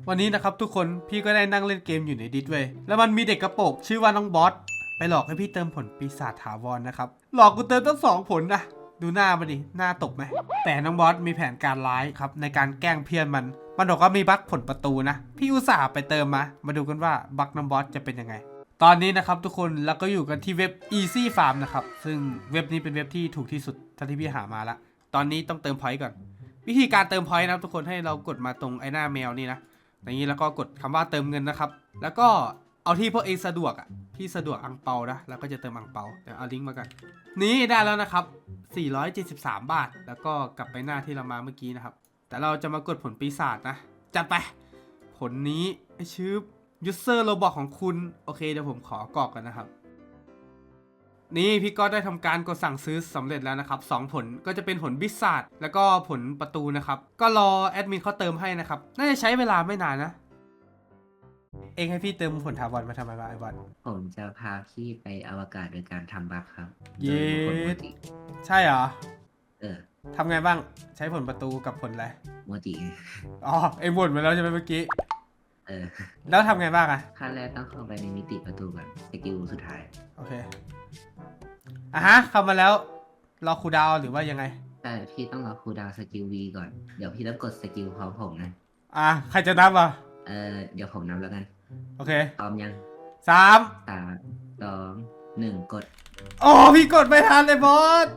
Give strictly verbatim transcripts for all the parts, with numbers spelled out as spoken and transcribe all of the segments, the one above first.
วันนี้นะครับทุกคนพี่ก็ได้นั่งเล่นเกมอยู่ในดิสเว้ยแล้วมันมีเด็กกระโปรงชื่อว่าน้องบอสไปหลอกให้พี่เติมผลปีศาจถาวรนะครับหลอกกูเติมตั้งสองผลนะดูหน้ามันดิหน้าตกไหมแต่น้องบอสมีแผนการร้ายครับในการแกล้งเพื่อนมันมันบอกว่ามีบั๊กผลประตูนะพี่อุตส่าห์ไปเติมมามาดูกันว่าบั๊กน้องบอสจะเป็นยังไงตอนนี้นะครับทุกคนเราก็อยู่กันที่เว็บ Easy Farm นะครับซึ่งเว็บนี้เป็นเว็บที่ถูกที่สุดเท่าที่พี่หามาละตอนนี้ต้องเติมพอยต์ก่อนวิธีการเติมพอยต์นะทุกคนให้เรากดมาตรงไอ้หน้าแมวนี่นะอย่างนี้แล้วก็กดคำว่าเติมเงินนะครับแล้วก็เอาที่พวกเองสะดวกอ่ะพี่สะดวกอังเปานะแล้วก็จะเติมอังเปาเดี๋ยวเอาลิงก์มากันนี่ได้แล้วนะครับสี่ร้อยเจ็ดสิบสามบาทแล้วก็กลับไปหน้าที่เรามาเมื่อกี้นะครับแต่เราจะมากดผลปีศาจนะจัดไปผลนี้ไอชื่อยูเซอร์โรบอทของคุณโอเคเดี๋ยวผมขอกรอกกันนะครับนี่พี่ก็ได้ทำการกดสั่งซื้อสำเร็จแล้วนะครับสองผลก็จะเป็นผลบิสซาร์ดแล้วก็ผลประตูนะครับก็รอแอดมินเขาเติมให้นะครับน่าจะใช้เวลาไม่นานนะเองให้พี่เติมผลถาวรมาทำไมวะไอ้บอลผมจะพาพี่ไปอวกาศโดยการทำบัคครับเย้โดยบุคคลโมจิใช่เหรอเออทำไงบ้างใช้ผลประตูกับผลอะไรโมจิไงอ๋อเองบ่นมาแล้วใช่ไหมเมื่อกี้เออแล้วทำไงบ้างอะขั้นแรกต้องเข้าไปในมิติประตูก่อนสกิลสุดท้ายโอเคอ่ะฮะเข้ามาแล้วรอครูดาวหรือว่ายังไงแต่พี่ต้องรอคูลดาวน์สกิลวีก่อน เดี๋ยวพี่ต้องกดสกิลพร้อมผมนะอ่ะใครจะนับอ่ะเออเดี๋ยวผมนับแล้วกันโอเคพร้อมยังสามสามสองหนึ่งกดโอ้พี่กดไม่ทันเลยบอส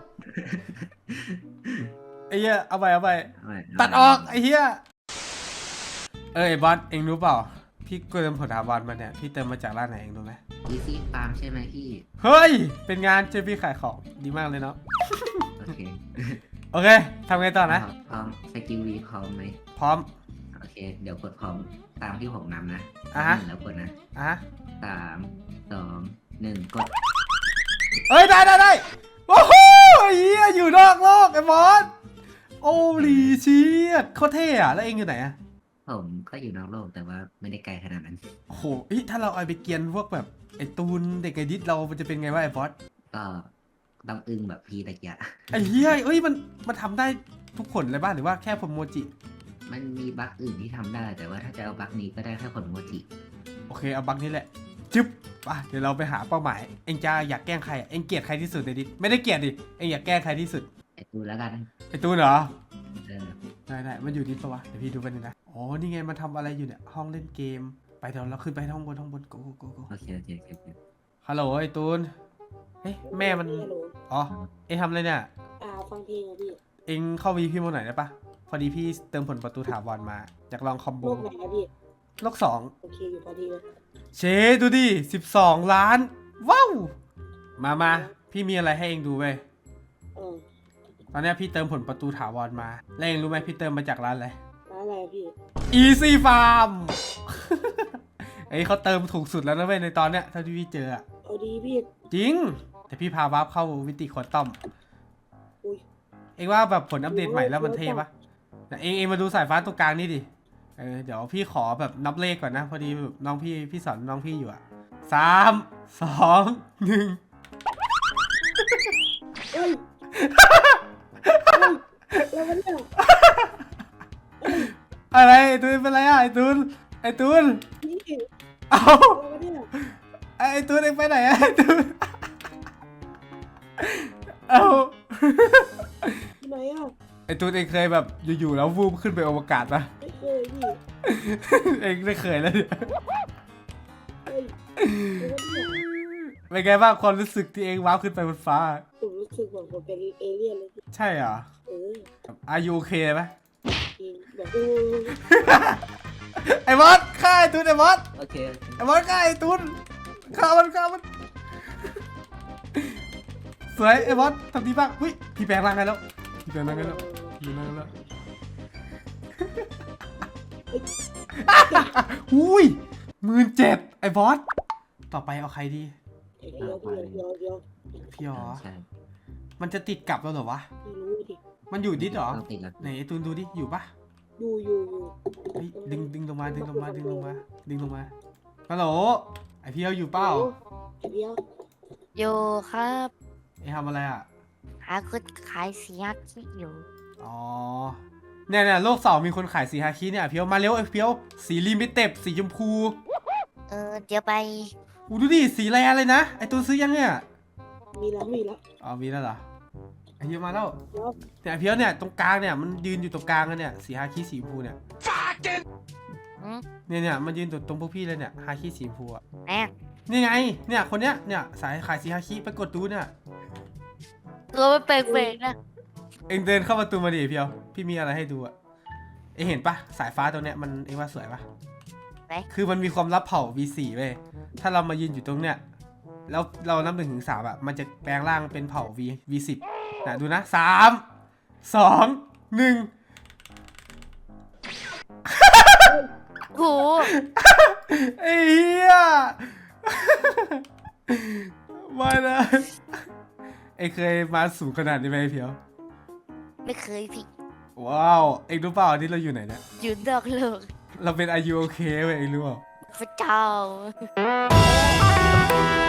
ไอ้เหี้ยเอาไปเอาไปเอาใหม่ตัดออกไอ้เหี้ยเออไอ้บอสเองรู้เปล่าพี่เติมผลถาวรมาเนี่ยพี่เติมมาจากร้านไหนเองรู้ไหมอีซี่ฟาร์มใช่ไหมพี่เฮ้ยเป็นงานเจอพี่ขายของดีมากเลยเนาะโอเคโอเคทำไงต่อนะพร้อมสกิลวีพร้อมไหมพร้อมโอเค เดี๋ยวกดพร้อมตามที่ผมนำนะอ่ะฮะหนึ่งแล้วกดนะอ่ะฮะสามสองหนึ่งกดเอ้ยได้ได้ได้โอ้โหเฮียอยู่นอกโลกไอ้บอสโอ้ลีเชียดโคตรเท่อะแล้วเองอยู่ไหนอะผมก็อยู่นอกโลกแต่ว่าไม่ได้ไกลขนาดนั้นโอ้โหเฮ้ยถ้าเราเอาไปเกียนพวกแบบไอ้ตูนเด็กไอ้ดิสเรามันจะเป็นไงวะไอ้บอสก็ต้องอึ้งแบบพี่ตะเกียะไอ้เฮียเอ้ยมันมันทำได้ทุกผลเลยบ้างหรือว่าแค่ผมโมจิมันมีบั๊กอื่นที่ทำได้ แต่ว่าถ้าจะเอาบั๊กนี้ก็ได้แค่ผลโมจิโอเคเอาบักนี้แหละจึ๊บป่ะเดี๋ยวเราไปหาเป้าหมายเองจะอยากแกล้งใครอะเองเกลียดใครที่สุดในดิสไม่ได้เกลียดดิเองอยากแกล้งใครที่สุดไอตูแล้วกันไอ้ตูนเหรอเออได้ได้มันอยู่ดิสปะวะเดี๋ยวพี่ดูไปหนึ่งนะอ๋อนี่ไงมันทำอะไรอยู่เนี่ยห้องเล่นเกมไปเดี๋ยวเราขึ้นไปห้องบนห้องบนโกโกโกโกโอเคโอเคโอเคโอเคฮัลโหลไอ้ตูนเฮ้ยแม่มันฮัลโหลอ๋อเอ็งทำอะไรเนี่ยอ่าฟังเพลงอะพี่เอ็งเข้าวีพี่โมหน่อยได้ปะพอดีพี่เติมผลประตูถาวรมาอยากลองคอมโบโลกไหนอะพี่โลกสองโอเคอยู่พอดีเลยเชดูดิสิบสองล้านว้าวมามาพี่มีอะไรให้เอ็งดูเว้ยเออตอนเนี้ยพี่เติมผลประตูถาวรมาแล้วเอ็งรู้ไหมพี่เติมมาจากร้านอะไรร้านอะไรอะพี่ Easy Farm ไอ้ยเขาเติมถูกสุดแล้วนะเว้ยในตอนเนี้ยเท่าที่พี่เจออะเอาดีพี่จริงแต่พี่พาวาร์ปเข้าวิติควอนตัมอุ้ยเอ็งว่าแบบผลอัปเดตใหม่แล้วมันเท่ปะแต่เอ็งเอ็งมาดูสายฟ้าตรงกลางนี่ดิเออเดี๋ยวพี่ขอแบบนับเลขก่อนนะพอดีแบบน้องพี่พี่สอนน้องพี่อยู่อะสามสองหนึ่งเอ้ยเอ้ยแล้วมันเนี่ยอะไรไอ้ตูนเป็นไรอะไอ้ตูนไอ้ตูนพี่เอาแล้วมันเนี่ยไอ้ตูนเอ็งไปไหนอะไอ้ตูนเอาที่ไหนอะไอ้ตูนเอ็งเคยแบบอยู่ๆแล้ววูบขึ้นไปอวกาศปะไม่เคยพี่เอ็งไม่เคยแล้วเนี่ยเอ้ยแล้วมันเนี่ยเป็นไงบ้างความรู้สึกที่เอ็งว้าวขึ้นไปบนฟ้าผมรู้สึกเหมือนผมเป็นเอเลี่ยนเลยพี่ใช่เหรอเอออายุโอเคไหมจริงแบบโอ้ยไอ้บอสฆ่าไอ้ตูนไอ้บอสโอเคโอเคไอ้บอสฆ่าไอ้ตูนฆ่ามันฆ่ามันสวยไอ้บอสทำดีบ้างหุ้ยพี่แปลงร่างได้แล้วพี่แปลงร่างได้แล้วพี่แปลงร่างได้แล้วหุ้ยหมื่นเจ็ดไอ้บอสต่อไปเอาใครดีเดี๋ยวพี่เดี๋ยวเดี๋ยวพี่หรอใช่มันจะติดกลับแล้วเหรอวะพี่รู้ดิมันอยู่ดิสเหรอต้องติดแล้วไหนไอ้ตูนดูดิอยู่ปะอยู่อยู่อยู่เฮ้ยดึงดึงลงมาดึงลงมาดึงลงมาดึงลงมาฮัลโหลไอพี่เอาอยู่เปล่าไอเดียวอยู่ครับไอทำอะไรอ่ะหาคนขายเสียงอยู่อ๋อเนี่ยเนี่ยโลกสองมีคนขายสีฮาคิเนี่ยเพียวมาเร็วไอ้เพียวสีลิมิเต็ดสีชมพูเออเดี๋ยวไปอูดูดิสีแรเลยนะไอตัวซื้อยังเนี่ยมีแล้วมีแล้วอ๋อมีแล้วเหรอไอเพียวมาแล้วเดี๋ยวเนี่ยไอ้เพียวเนี่ยตรงกลางเนี่ยมันยืนอยู่ตรงกลางกันเนี่ยสีฮาคิสีชมพูเนี่ยอืมเนี่ยเนี่ยมันยืนตรงตรงพวกพี่เลยเนี่ยฮาคิสีชมพูอะแม่นี่ไงเนี่ยคนเนี้ยเนี่ยสายขายสีฮาคิไปกดดูเนี่ยตัวมันเป่งๆนะเอ็งเดินเข้าประตูมาดิเพียวพี่มีอะไรให้ดูอะเอ็งเห็นปะสายฟ้าตัวเนี้ยมันเอ็งว่าสวยปะไหนคือมันมีความลับเผ่า วี โฟร์ เว้ยถ้าเรามายืนอยู่ตรงเนี้ยแล้วเรานับหนึ่งถึงสามอะมันจะแปลงร่างเป็นเผ่า V วี สิบ นะดูนะสามสองหนึ่งโหไอ้เหี้ยมานะไอ้เคยมาสูงขนาดนี้ไหมเพียวไม่เคยพี่ว้าวเอ็งรู้เปล่าที่เราอยู่ไหนเนี่ยยืนดอกโลกเราเป็นอายุโอเคเว้ยเอ็งรู้เปล่าพระเจ้า